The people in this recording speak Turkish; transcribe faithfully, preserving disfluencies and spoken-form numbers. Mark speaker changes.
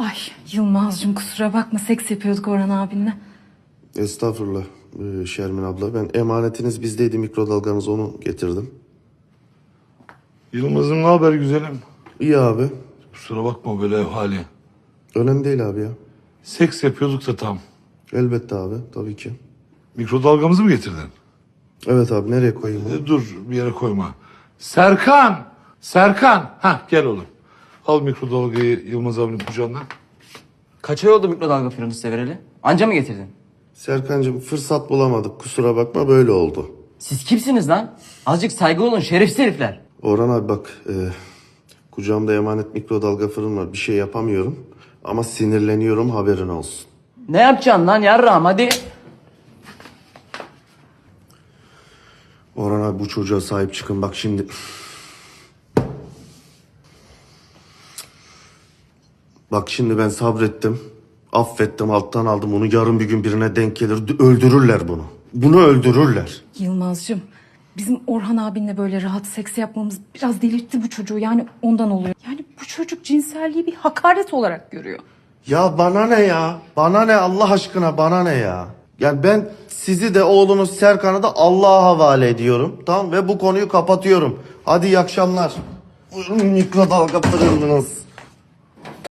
Speaker 1: Ay Yılmaz'cığım kusura bakma, seks yapıyorduk Orhan abinle.
Speaker 2: Estağfurullah ee, Şermin abla. Ben emanetiniz bizdeydi, mikrodalganız, onu getirdim.
Speaker 3: Yılmaz'ım ne haber güzelim?
Speaker 2: İyi abi.
Speaker 3: Kusura bakma böyle ev hali.
Speaker 2: Önemli değil abi ya.
Speaker 3: Seks yapıyorduk da tam.
Speaker 2: Elbette abi, tabii ki.
Speaker 3: Mikrodalgamızı mı getirdin?
Speaker 2: Evet abi, nereye koyayım bunu?
Speaker 3: E, dur bir yere koyma. Serkan! Serkan! Hah gel oğlum. Al mikrodalgayı Yılmaz abinin kucağından.
Speaker 4: Kaç ay oldu mikrodalga fırını size vereli? Anca mı getirdin?
Speaker 2: Serkancığım, fırsat bulamadık, kusura bakma, böyle oldu.
Speaker 4: Siz kimsiniz lan? Azıcık saygı olun şerefsiz herifler.
Speaker 2: Orhan abi bak, e, kucağımda emanet mikrodalga fırın var, bir şey yapamıyorum. Ama sinirleniyorum, haberin olsun.
Speaker 4: Ne yapacaksın lan yarrağım hadi.
Speaker 2: Orhan abi, bu çocuğa sahip çıkın bak şimdi. Bak şimdi ben sabrettim. Affettim, alttan aldım onu. Yarın bir gün birine denk gelir, öldürürler bunu. Bunu öldürürler.
Speaker 1: Yılmaz'cığım bizim Orhan abinle böyle rahat seks yapmamız biraz delirtti bu çocuğu, yani ondan oluyor. Yani bu çocuk cinselliği bir hakaret olarak görüyor.
Speaker 2: Ya bana ne ya? Bana ne Allah aşkına, bana ne ya? Yani ben sizi de oğlunuz Serkan'ı da Allah'a havale ediyorum. Tamam, ve bu konuyu kapatıyorum. Hadi iyi akşamlar. Buyurun mikrodalga fırınınız.